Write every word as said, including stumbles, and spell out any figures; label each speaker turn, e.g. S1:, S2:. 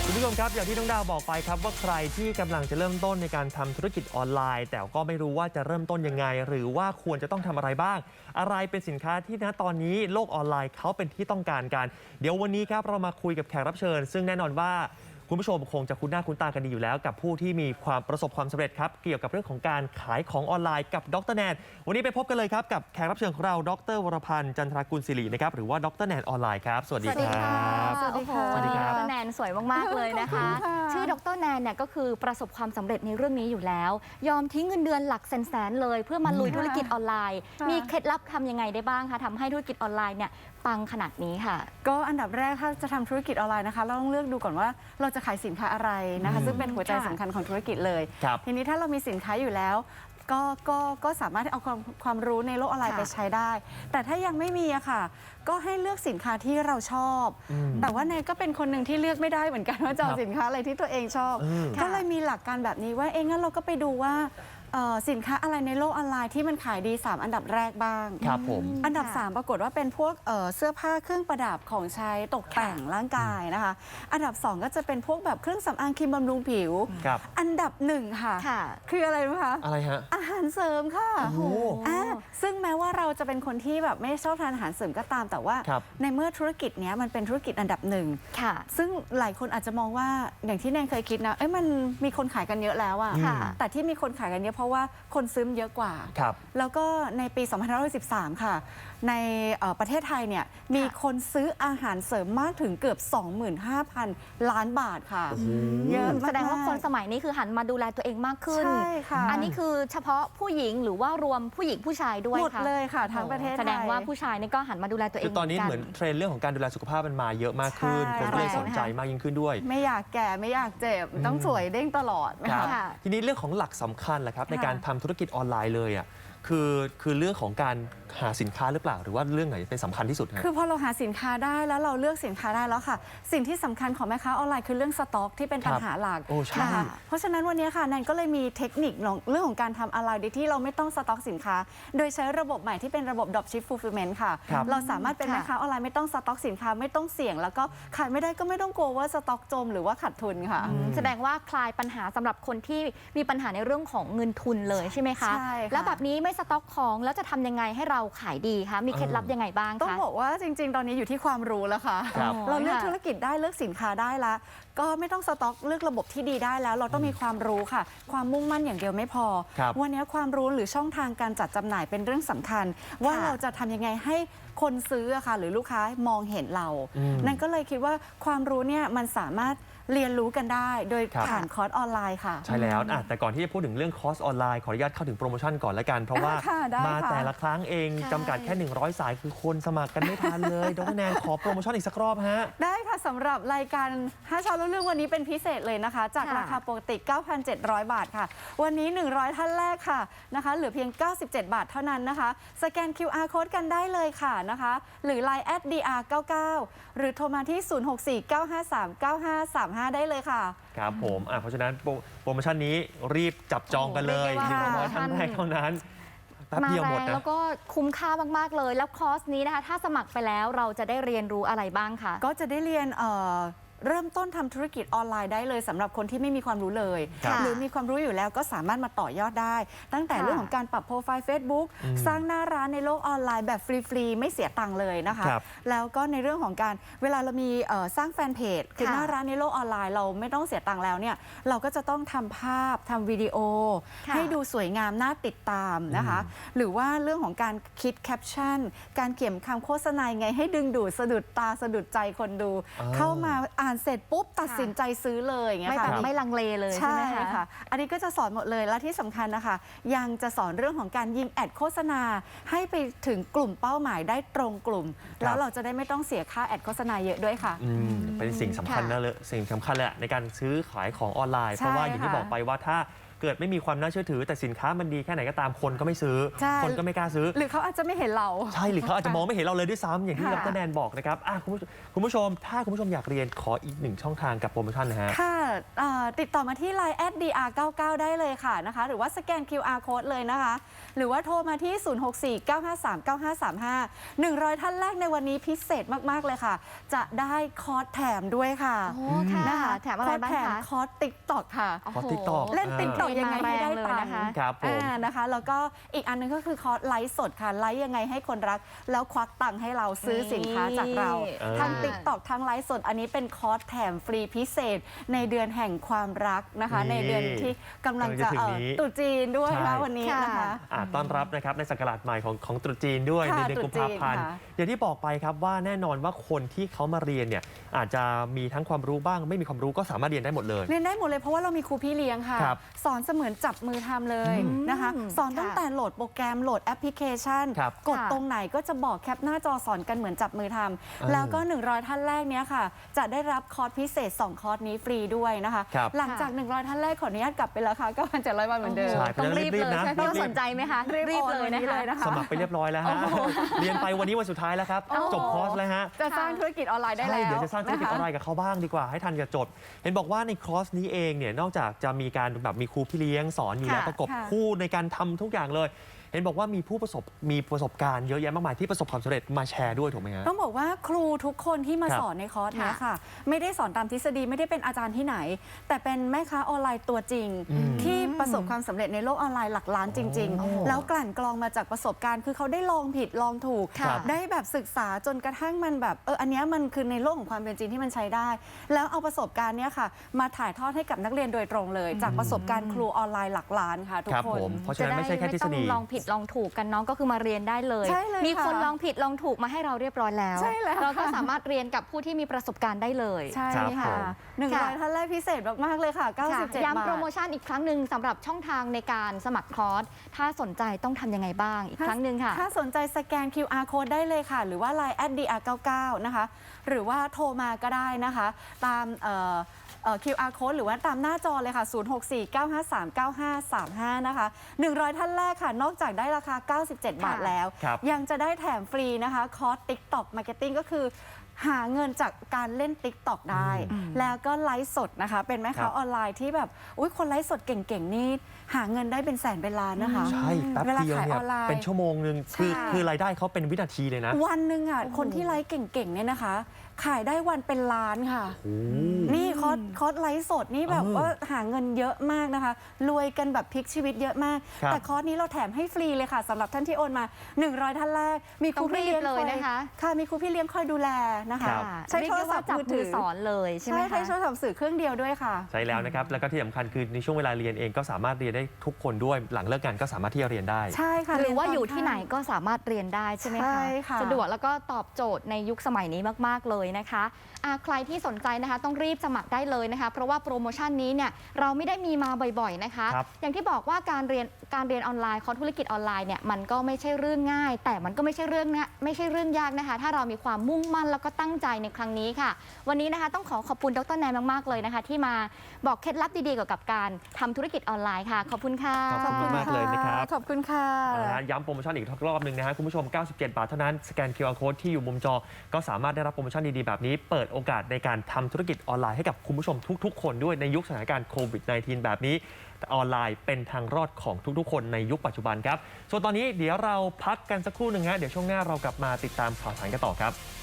S1: คุณผู้ชมครับอย่างที่น้องดาวบอกไปครับว่าใครที่กำลังจะเริ่มต้นในการทำธุรกิจออนไลน์แต่ก็ไม่รู้ว่าจะเริ่มต้นยังไงหรือว่าควรจะต้องทำอะไรบ้างอะไรเป็นสินค้าที่ณตอนนี้โลกออนไลน์เขาเป็นที่ต้องการกันเดี๋ยววันนี้ครับเรามาคุยกับแขกรับเชิญซึ่งแน่นอนว่าคุณผู้ชมคงจะคุ้นหน้าคุ้นตากันดีอยู่แล้วกับผู้ที่มีความประสบความสำเร็จครับเกี่ยวกับเรื่องของการขายของออนไลน์กับดรแนนวันนี้ไปพบกันเลยครับกับแขกรับเชิญของเราดรวรพันธ์จันทรากุลศิรินะครับหรือว่าดรแนนออนไลน์ครับสวัสดีครับ
S2: สวัสดีค่ะ
S1: สวัสดีครับ
S2: ดรแนนสวยมากๆเลยนะคะ ชื่อดรแนนเนี่ยก็คือประสบความสำเร็จในเรื่องนี้อยู่แล้ว ยอมทิ้งเงินเดือนหลักแสนๆเลยเพื่อมาลุยธุรกิจออนไลน์ มีเคล็ดลับทำยังไงได้บ้างคะทำให้ธุรกิจออนไลน์เนี่ยปังขนาดนี้ค่ะ
S3: ก็อันดับแรกถ้าจะทำธุรกิจออนไลน์นะคะเราต้องเลือกดูก่อนว่าเราจะขายสินค้าอะไรนะคะซึ่งเป็นหัวใจสำคัญของธุรกิจเลยทีนี้ถ้าเรามีสินค้าอยู่แล้วก็ก็ก็สามารถเอาความความรู้ในโลกออนไลน์ไปใช้ได้ แต่ถ้ายังไม่มีอะค่ะก็ให้เลือกสินค้าที่เราชอบ แต่ว่าเนยก็เป็นคนหนึ่งที่เลือกไม่ได้เหมือนกันว่าจะเอาสินค้าอะไรที่ตัวเองชอบ ก็เลยมีหลักการแบบนี้ว่าเองงั้นเราก็ไปดูว่าสินค้าอะไรในโลกออนไลน์ที่มันขายดีสามอันดับแรกบ้าง
S1: ครับผม
S3: อันดับสามปรากฏว่าเป็นพวกเสื้อผ้าเครื่องประดับของใช้ตกแต่งร่างกายนะคะอันดับสองก็จะเป็นพวกแบบเครื่องสำอางครีมบำรุงผิวอันดับหนึ่งค่ะคืออะไรรู้ไหมคะ
S1: อะไรฮะ
S3: อาหารเสริมค่ะอ่าซึ่งแม้ว่าเราจะเป็นคนที่แบบไม่ชอบทานอาหารเสริมก็ตามแต่ว่าในเมื่อธุรกิจนี้มันเป็นธุรกิจอันดับหนึ่งซึ่งหลายคนอาจจะมองว่าอย่างที่แนนเคยคิดนะเอ้ยมันมีคนขายกันเยอะแล้วอะแต่ที่มีคนขายกันเยอะเพราะว่าคนซื้อเยอะกว่าแล้วก็ในปีสองพันห้าร้อยสิบสามค่ะในประเทศไทยเนี่ยมีคนซื้ออาหารเสริมมากถึงเกือบ สองหมื่นห้าพัน ล้านบาทค่ะ
S2: เยอะแสดงว่าคนสมัยนี้คือหันมาดูแลตัวเองมากขึ้น
S3: ใช่ค่ะ
S2: อันนี้คือเฉพาะผู้หญิงหรือว่ารวมผู้หญิงผู้ชายด้วย
S3: หมดเลยค่ะทั้งประเทศ
S2: แสดงว่าผู้ชายนี่ก็หันมาดูแลตัวเอง
S1: คือตอนนี้เหมือนเทรนด์เรื่องของการดูแลสุขภาพมันมาเยอะมากขึ้นคนก็เลยสนใจมากยิ่งขึ้นด้วย
S3: ไม่อยากแก่ไม่อยากเจ็บต้องสวยเด้งตลอด
S1: นะคะทีนี้เรื่องของหลักสำคัญแหละครับในการทำธุรกิจออนไลน์เลยอ่ะคือคือเรื่องของการหาสินค้าหรือเปล่าหรือว่าเรื่องไหนเป็นสำคัญที่สุด
S3: คือพอเราหาสินค้าได้แล้วเราเลือกสินค้าได้แล้วค่ะสิ่งที่สำคัญของแม่ค้าออนไลน์คือเรื่องสต็อกที่เป็นปัญหาหลักนะคะเพราะฉะนั้นวันนี้ค่ะแนนก็เลยมีเทคนิคเรื่องของการทำออนไลน์โดยที่เราไม่ต้องสต็อกสินค้าโดยใช้ระบบใหม่ที่เป็นระบบ Dropship Fulfillment ค่ะเราสามารถเป็นแม่ค้าออนไลน์ไม่ต้องสต็อกสินค้าไม่ต้องเสี่ยงแล้วก็ขายไม่ได้ก็ไม่ต้องกลัวว่าสต็อกจมหรือว่าขาดทุนค่ะ
S2: แสดงว่าคลายปัญหาสำหรับคนที่มีปัญหาในเรื่องของเงินทุนเลยใช่ไหมคะแล้วแบบนี้ไม่สต็อกของแล้วจะทำยังไงให้เราขายดีคะมีเคล็ดลับยังไงบ้างคะ
S3: ต้องบอกว่าจริงๆตอนนี้อยู่ที่ความรู้แล้วค่ะเราเลือกธุรกิจได้เลือกสินค้าได้แล้วก็ไม่ต้องสต็อกเลือกระบบที่ดีได้แล้วเราต้องมีความรู้ค่ะความมุ่งมั่นอย่างเดียวไม่พอวันนี้ความรู้หรือช่องทางการจัดจำหน่ายเป็นเรื่องสำคัญว่าเราจะทำยังไงให้คนซื้อค่ะหรือลูกค้ามองเห็นเรานั่นก็เลยคิดว่าความรู้เนี่ยมันสามารถเรียนรู้กันได้โดยผ่านคอร์สออนไลน์ค่ะ
S1: ใช่แล้วแต่ก่อนที่จะพูดถึงเรื่องคอร์สออนไลน์ขออนุญาตเข้าถึงโปรโมชั่นก่อนละกันเพราะว่ามาแต่ละครั้งเองจำกัดแค่หนึ่งร้อยสายคือคนสมัครกันไม่ทันเลยดรแนนขอโปรโมชั่นอีกสักรอบฮะ
S3: ได้ค่ะสำหรับรายการห้าเช้ารู้เรื่องวันนี้เป็นพิเศษเลยนะคะจากราคาปกติ เก้าพันเจ็ดร้อย บาทค่ะวันนี้หนึ่งร้อยท่านแรกค่ะนะคะเหลือเพียงเก้าสิบเจ็ดบาทเท่านั้นนะคะสแกน คิว อาร์ Code กันได้เลยค่ะนะคะหรือ ไลน์ แอท ดี อาร์ เก้าเก้า หรือโทรมาที่ศูนย์ หก สี่ เก้า ห้า สาม เก้า ห้า สาม ห้าได้เลยค่ะ
S1: ครับผมเพราะฉะนั้นโปรโมชั่นนี้รีบจับจองกันเลยหนึ่งร้อยท่านแรกเท่านั้นแป๊บเดียวหมดนะ
S2: แล้วก็คุ้มค่ามากๆเลยแล้วคอร์สนี้นะคะถ้าสมัครไปแล้วเราจะได้เรียนรู้อะไรบ้างคะ
S3: ก็จะได้เรียนเริ่มต้นทำธุรกิจออนไลน์ได้เลยสำหรับคนที่ไม่มีความรู้เลยหรือมีความรู้อยู่แล้วก็สามารถมาต่อยอดได้ตั้งแต่เรื่องของการปรับโปรไฟล์ Facebook สร้างหน้าร้านในโลกออนไลน์แบบฟรีๆไม่เสียตังค์เลยนะคะแล้วก็ในเรื่องของการเวลาเรามีสร้างแฟนเพจคือหน้าร้านในโลกออนไลน์เราไม่ต้องเสียตังค์แล้วเนี่ยเราก็จะต้องทำภาพทำวิดีโอให้ดูสวยงามน่าติดตามนะคะหรือว่าเรื่องของการคิดแคปชั่นการเขียนคำโฆษณาไงให้ดึงดูดสะดุดตาสะดุดใจคนดูเข้ามาอ่านเสร็จปุ๊บตัดสินใจซื้อเลยอย่างเงี้ยค่ะ
S2: ไม่ลังเลเลยใช่ไหมคะ
S3: อันนี้ก็จะสอนหมดเลยและที่สำคัญนะคะยังจะสอนเรื่องของการยิงแอดโฆษณาให้ไปถึงกลุ่มเป้าหมายได้ตรงกลุ่มแล้วเราจะได้ไม่ต้องเสียค่าแอดโฆษณาเยอะด้วยค่ะ
S1: เป็นสิ่งสำคัญนะเลยสิ่งสำคัญแหละในการซื้อขายของออนไลน์เพราะว่าอย่างที่บอกไปว่าถ้าเกิดไม่มีความน่าเชื่อถือแต่สินค้ามันดีแค่ไหนก็ตามคนก็ไม่ซื้อ
S3: ใช่
S1: คนก็ไม่กล้าซื้อ
S3: หรือเขาอาจจะไม่เห็นเรา
S1: ใช่หรือเขาอาจจะมองไม่เห็นเราเลยด้วยซ้ำอย่างที่
S3: ค่ะ
S1: ดรแนนบอกนะครับอ่ะคุณผู้คุณผู้ชมถ้าคุณผู้ชมอยากเรียนขออีกหนึ่งช่องทางกับโปรโมชั่นนะฮะ
S3: ค่ะเอ่อติดต่อมาที่ ไลน์ แอท ดี อาร์ เก้าเก้า ได้เลยค่ะนะคะ หรือว่าสแกน คิว อาร์ Code เลยนะคะ หรือว่าโทรมาที่ ศูนย์ หก สี่ เก้า ห้า สาม เก้า ห้า สาม ห้า หนึ่งร้อย ท่านแรกในวันนี้พิเศษมาก ๆ เลยค่ะ จะได้คอร์สแถมด้วยค่ะ
S2: โอ้ค่ะ
S3: นะคะ
S2: แถมอะไรบ้าง
S3: คอร์สแถม
S2: คะ
S3: คอร์สติ๊กต็อกค่ะ
S1: คอร์ส TikTok
S3: เล่น
S1: อ่า
S3: ติ๊กต็อกยังไงให้ได้
S2: มาแรงเลย
S3: ตัง
S2: นะคะ
S3: ค์
S1: ครับผม
S3: อ่านะคะ แล้วก็อีกอันหนึงก็คือคอร์สไลฟ์สดค่ะ ไลฟ์ยังไงให้คนรัก แล้วควักตังค์ให้เราซื้อสินค้าจากเรา
S1: เออ
S3: ทั้งติ๊กต็อกทั้งไลฟ์สด อันนี้เป็นคอร์สแถมฟรีพิเศษในเดือนแห่งความรักนะคะ
S1: นี่
S3: ในเดือนที่กำลังจะ
S1: กำลังจะถึง
S3: เอ่อ
S1: นี้
S3: ตรุษจีนด้วย
S1: ใช่
S3: นะวันนี้นะคะ
S1: อ่าต้อนรับนะครับในศักราชใหม่ของของตรุษจีนด้วย
S3: ค่ะ
S1: ในเดือนกุมภาพันธ์
S3: ตรุษจีนค่ะ
S1: อย่างที่บอกไปครับว่าแน่นอนว่าคนที่เขามาเรียนเนี่ยอาจจะมีทั้งความรู้บ้าง ไม่มีความรู้ก็สามารถเรียนได้หมดเลย
S3: เรียนได้หมดเลยเพราะว่าเรามีครูพี่เลี้ยงค่ะ
S1: ครับ
S3: สอนเสมือนจับมือทำเลย
S1: อืม
S3: นะคะ สอนตั้ง
S2: ค่ะ
S3: แต่โหลดโปรแกรมโหลดแอปพลิเคชัน
S1: ครับ
S3: กด
S2: ค่ะ
S3: ตรงไหนก็จะบอกแคปหน้าจอสอนกันเหมือนจับมือทำ
S1: ออ
S3: แล้วก็ หนึ่งร้อย ท่านแรกเนี้ยค่ะ จะได้รับคอร์สพิเศษ สอง คอร์สนี้ฟรีด้วยนะคะ
S1: ครับ
S3: หลังจาก หนึ่งร้อย ท่านแรกขออนุญาตกลับไปราคา เก้าพันเจ็ดร้อย บาทเหมือนเดิม
S1: ใช่
S2: ต้องรีบ
S1: รี
S2: เล
S1: บ
S2: ย
S1: นะ
S2: ใช่ไหม
S1: รีบ
S2: สนใจไหมคะรีบเลยนะคะ
S3: นะคะ
S1: สมัครไปเรียบร้อยแล้วฮะ เรียนไปวันนี้วันสุดท้ายแล้วครับ
S3: โอ้โห
S1: จบคอร์สแล้วฮะ
S3: จะสร้างธุรกิจออนไลน์ได้
S1: ใช่
S3: แล้ว
S1: เดี๋ยวจะสร้างธุรกิจออนไล
S3: นะคะ
S1: น์กับเขาบ้างดีกว่าให้ทันกับจบ เห็นบอกว่าในคอร์สนี้เองเนี่ยนอกจากจะมีการแบบมีครูพี่เลี้ยงสอนอยู่แล้ว
S2: ค่ะ
S1: ประกบ
S3: ค่ะ
S1: คู่ในการทำทุกอย่างเลย เห็นบอกว่ามีผู้ประสบมีประสบการณ์เยอะแยะมากมายที่ประสบความสำเร็จมาแชร์ด้วยถูกไหมฮะ
S3: ต้องบอกว่าครูทุกคนที่มา
S1: ครับ
S3: สอนในคอร์สเนี้ยค่ะ ไม่ได้สอนตามทฤษฎีไม่ได้เป็นอาจารย์ที่ไหน แต่เป็นแม่ค้าออนไลน์ตัวจริง
S1: อืม
S3: ที่ประสบความสำเร็จในโลกออนไลน์หลักล้านจริง
S1: โอ้
S3: ๆ แล้วกลั่นกรองมาจากประสบการณ์ คือเขาได้ลองผิดลองถูก
S1: ครับ
S3: ได้แบบศึกษาจนกระทั่งมันแบบเอออันเนี้ยมันคือในโลกของความเป็นจริงที่มันใช้ได้ แล้วเอาประสบการณ์เนี้ยค่ะ มาถ่ายทอดให้กับนักเรียนโดยตรงเลย จากประสบการณ์ครูออนไลน์หลักล้านค่ะทุก
S1: ครับ
S3: ค
S1: ผ
S3: น
S1: มเพราะฉะนั้นไม่ใช่แค่ทฤษฎี
S2: ไม่ต้องลองผิดลองถูกกันน้องก็คือมาเรียนได้เลย
S3: ใช่เลย
S2: มีคน
S3: ค่ะ
S2: ลองผิดลองถูกมาให้เราเรียบร้อยแล้ว
S3: ใช่แล้ว
S2: เราก็
S3: ค่ะ
S2: สามารถเรียนกับผู้ที่มีประสบการณ์ได้เลย
S3: ใช่
S1: ครับผ
S3: ค่ะ
S1: ม
S3: หนึ่งร้อย
S2: ค่ะ
S3: ท่านแรกพิเศษมากๆเลยค่ะเก้าสิบเจ็ด
S2: ย้ำ
S3: บาท
S2: โปรโมชั่นอีกครั้งหนึ่งสำหรับช่องทางในการสมัครคอร์สถ้าสนใจต้องทำยังไงบ้างอีกครั้งหนึ่งค่ะ
S3: ถ้าสนใจสแกน คิว อาร์ Code ได้เลยค่ะ หรือว่า ไลน์ แอท ดี อาร์ เก้าเก้า นะคะ หรือว่าโทรมาก็ได้นะคะ ตามเอ่อเอ่อ คิว อาร์ Code หรือว่าตามหน้าจอเลยค่ะ ศูนย์ หก สี่ เก้า ห้า สาม เก้า ห้า สาม ห้า นะคะ หนึ่งร้อย ท่านแรกค่ะ นอกจากได้ราคา เก้าสิบเจ็ด บาทแล้ว
S1: ครับ
S3: ยังจะได้แถมฟรีนะคะ คอร์ส TikTok Marketing ก็คือ หาเงินจากการเล่น TikTok ได้
S2: อืม
S3: แล้วก็ไลฟ์สดนะคะ เป็นแม่
S1: ครั
S3: ค้า
S1: บ
S3: ออนไลน์ที่แบบอุ๊ยคนไลฟ์สดเก่งๆนี่หาเงินได้เป็นแสนเป็นล้านนะคะ
S1: ใช่แป๊บ
S3: เวลา
S1: เดียว
S3: ขาย
S1: เนี่
S3: อย อนไลน์
S1: เป็นชั่วโมงหนึ่งคือ
S3: ใช่
S1: คือรายได้เขาเป็นวินาทีเลยนะ
S3: วันหนึ่งอ่ะ
S2: โอ้โห
S3: คนที่ไลฟ์เก่งๆเนี่ยนะคะ ขายได้วันเป็นล้านค่ะ
S1: โอ้
S3: นี่คอร์สคอร์สไลฟ์สดนี่แบบ
S1: เออ
S3: ว่าหาเงินเยอะมากนะคะ รวยกันแบบพลิกชีวิตเยอะมาก
S1: ครับ
S3: แต่คอร์สนี้เราแถมให้ฟรีเลยค่ะสำหรับท่านที่โอนมา หนึ่งร้อย ท่านแรก มีครูพี่เลี้ยง
S2: ต้องรีบเลย
S3: คอ
S2: นะคะ
S3: ค่ะมีครูพี่เลี้ยงคอยดูแลนะคะ
S1: ครับ
S3: ใช้
S2: เรีย
S3: โท
S2: ก
S3: ร
S2: ได้
S3: ศั
S2: ว่า
S3: พท์
S2: จับ
S3: มือ
S2: มื
S3: ถื
S2: อ
S3: อ
S2: สอนเลยใช่ไหม
S3: ใช่ใช้
S2: คะ
S3: โทรศัพท์สื่อเครื่องเดียวด้วยค่ะ
S1: ใช่แล้วนะครับ แล้วก็ที่สำคัญคือในช่วงเวลาเรียนเองก็สามารถเรียนได้ทุกคนด้วยหลังเลิกงานก็สามารถที่จะเรียนได้
S3: ใช่ค่ะ
S2: หรือว่า
S3: เนตน
S2: อยู่ที่ไหน
S3: ค่ำ
S2: ก็สามารถเรียนได้ใช่ไหม
S3: ใช่
S2: คะ
S3: ค่ะ
S2: สะดวกแล้วก็ตอบโจทย์ในยุคสมัยนี้มาก ๆ เลยนะคะอ่ะใครที่สนใจนะคะต้องรีบสมัครได้เลยนะคะ เพราะว่าโปรโมชั่นนี้เนี่ยเราไม่ได้มีมาบ่อยๆนะคะ
S1: ครับ
S2: อย่างที่บอกว่าการเรียนการเรียนออนไลน์คอร์สธุรกิจออนไลน์เนี่ยมันก็ไม่ใช่เรื่องง่าย แต่มันก็ไม่ใช่เรื่องนะไม่ใช่เรื่องยากนะคะ ถ้าเรามีความมุ่งมั่นแล้วก็ตั้งใจในครั้งนี้ค่ะ วันนี้นะคะต้องขอขอบคุณดรแนนมากๆเลยนะคะ ที่มาบอกเคล็ดลับดีๆเกี่ยวกับการทำธุรกิจออนไลน์ค่ะ ขอบคุณค่ะ
S1: ขอบคุณมากเลยนะครับ
S3: ขอบคุณค่ะ
S1: เอาละฮะย้ำโปรโมชั่นอีกรอบหนึ่งนะฮะคุณผู้ชม เก้าสิบเจ็ด บาทเท่านั้น สแกน คิว อาร์ Code ที่อยู่มุมจอ ก็สามารถได้รับโปรโมชั่นดีๆ แบบนี้ เปิดโอกาสในการทำธุรกิจออนไลน์ให้กับคุณผู้ชมทุกๆ คนด้วยในยุคสถานการณ์โควิด สิบเก้า แบบนี้แต่ออนไลน์เป็นทางรอดของทุกๆ คนในยุคปัจจุบันครับ ส่วนตอนนี้เดี๋ยวเราพักกันสักครู่หนึ่งฮะเดี๋ยวช่วงหน้าเรากลับมาติดตามข่าวสารกันต่อครับ